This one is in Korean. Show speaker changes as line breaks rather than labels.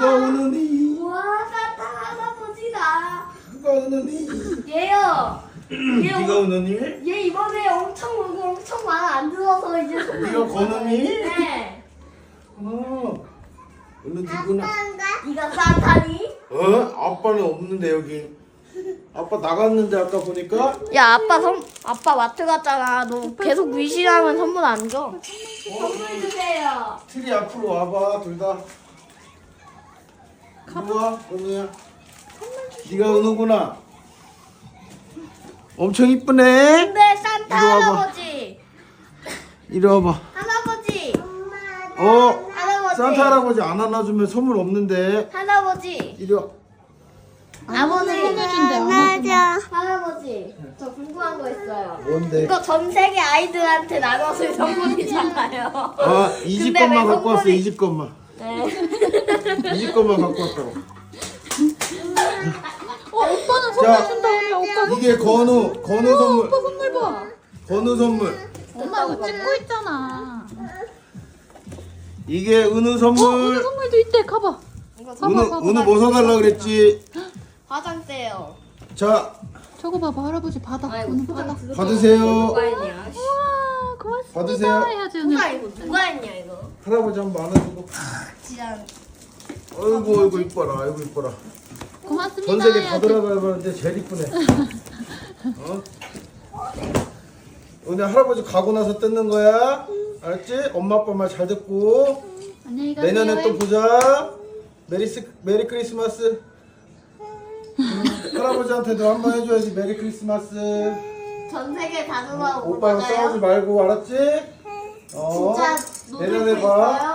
누가 우느니?
와, 산타 할아버지다.
누가 우느니?
얘요.
네가 우느니?
얘 이번에 엄청 울고 엄청 말 안 들어서 이제
네가 거느니?
네.
어느 누구나?
네가 산타니?
아빠는 없는데 여기. 아빠 나갔는데 아까 보니까.
야, 아빠 마트 갔잖아. 너 계속 위신하면 선물 안 줘. 선물 주세요.
트리 앞으로 와봐 둘 다. 이리 와 은우야. 네가 은우구나. 엄청 이쁘네.
근데 산타
이리 와봐.
할아버지.
이리 와봐.
할아버지. 할아버지.
산타 할아버지 안 안아주면 선물 없는데.
할아버지.
이리 와.
아버지.
맞아.
할아버지. 저 궁금한 거 있어요.
뭔데?
이거 전 세계 아이들한테 나눠줄 선물이잖아요.
이 집
근데
것만
왜
갖고 왔어.
선물이-
이 집 것만.
네.
이 집 것만 갖고 왔다고.
오빠는
자,
선물 준다며. 오빠
이게 건우 선물.
오빠 선물 봐.
건우 선물.
엄마 이거 찍고 있잖아.
이게 은우
은우
선물.
선물도 있대. 가봐.
은우 뭐 사달라 그랬지?
화장대요.
자,
저거 봐봐. 할아버지 받아.
아이고,
은우 받아.
받으세요.
누가 했냐?
우와 고맙습니다.
받으세요.
해야지 은우.
누가 했냐 이거?
할아버지 한번 안아주고.
진짜.
아이고 이뻐라. 아이고 이뻐라.
고맙습니다.
전 세계 다
해야지.
돌아가봤는데 제일 이쁘네. 오늘 할아버지 가고 나서 뜯는 거야. 알았지? 엄마 아빠 말 잘 듣고
안녕히 가세요.
내년에 또 보자. 메리 크리스마스. 할아버지한테도 한번 해줘야지. 메리 크리스마스.
전 세계 다 돌아오고
오빠랑 싸우지 말고 알았지?
진짜 노들
내년에
거
봐.
있어요?